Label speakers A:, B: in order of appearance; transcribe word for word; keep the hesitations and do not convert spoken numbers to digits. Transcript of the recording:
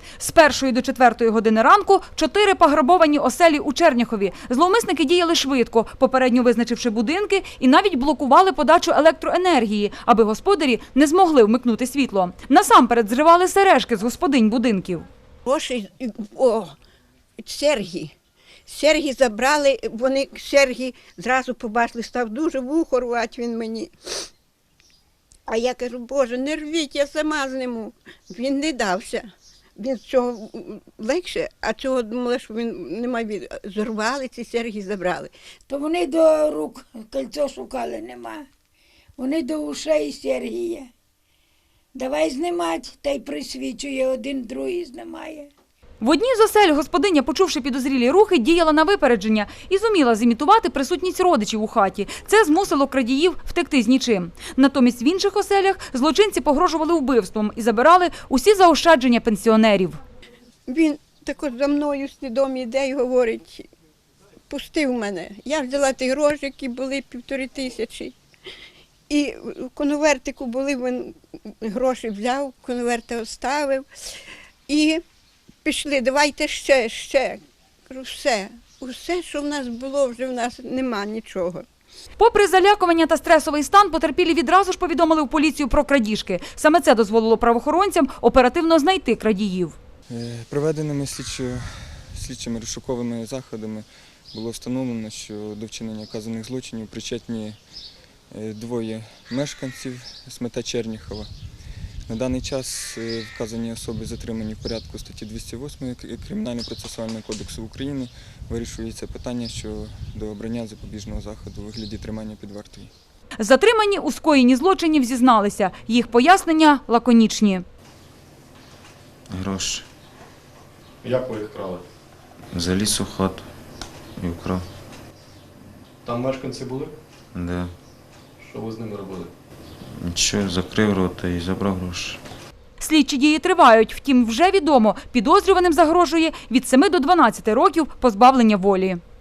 A: З першої до четвертої години ранку чотири пограбовані оселі у Черняхові. Зловмисники діяли швидко, попередньо визначивши будинки, і навіть блокували подачу електроенергії, аби господарі не змогли вмикнути світло. Насамперед зривали сережки з господинь будинків.
B: Гроші, о, серги. Серги забрали, вони серги зразу побачили, став дуже вухо рвати він мені. А я кажу, Боже, не рвіть, я сама зниму. Він не дався. Він з цього легше, а цього думала, що він не має. Зірвали ці серги, забрали.
C: То вони до рук кольцо шукали, нема. Вони до ушей серги є. Давай знімати, та й присвічує, один другий знімає.
A: В одній з осель господиня, почувши підозрілі рухи, діяла на випередження і зуміла зімітувати присутність родичів у хаті. Це змусило крадіїв втекти з нічим. Натомість в інших оселях злочинці погрожували вбивством і забирали усі заощадження пенсіонерів.
B: Він також за мною свідомий йде і говорить, пустив мене. Я взяла ті гроші, які були півтори тисячі. І в конвертику були, він гроші взяв, конверти оставив. І пішли, давайте ще, ще. Кажу, все, усе, що в нас було, вже в нас нема нічого.
A: Попри залякування та стресовий стан, потерпілі відразу ж повідомили в поліцію про крадіжки. Саме це дозволило правоохоронцям оперативно знайти крадіїв.
D: Проведеними слідчо- слідчими розшуковими заходами було встановлено, що до вчинення вказаних злочинів причетні двоє мешканців смета Черніхова. На даний час вказані особи затримані в порядку статті двісті восьмої Кримінально-процесуального кодексу України. Вирішується питання щодо обрання запобіжного заходу у вигляді тримання під вартою.
A: Затримані у скоєнні злочинів зізналися. Їх пояснення лаконічні.
E: Гроші.
F: Як ви їх крали?
E: Заліз у хату і вкрав.
F: Там мешканці були?
E: Да.
F: Що ви з ними робили?
E: Нічого, закрив рота і забрав гроші.
A: Слідчі дії тривають, втім вже відомо, підозрюваним загрожує від семи до дванадцяти років позбавлення волі.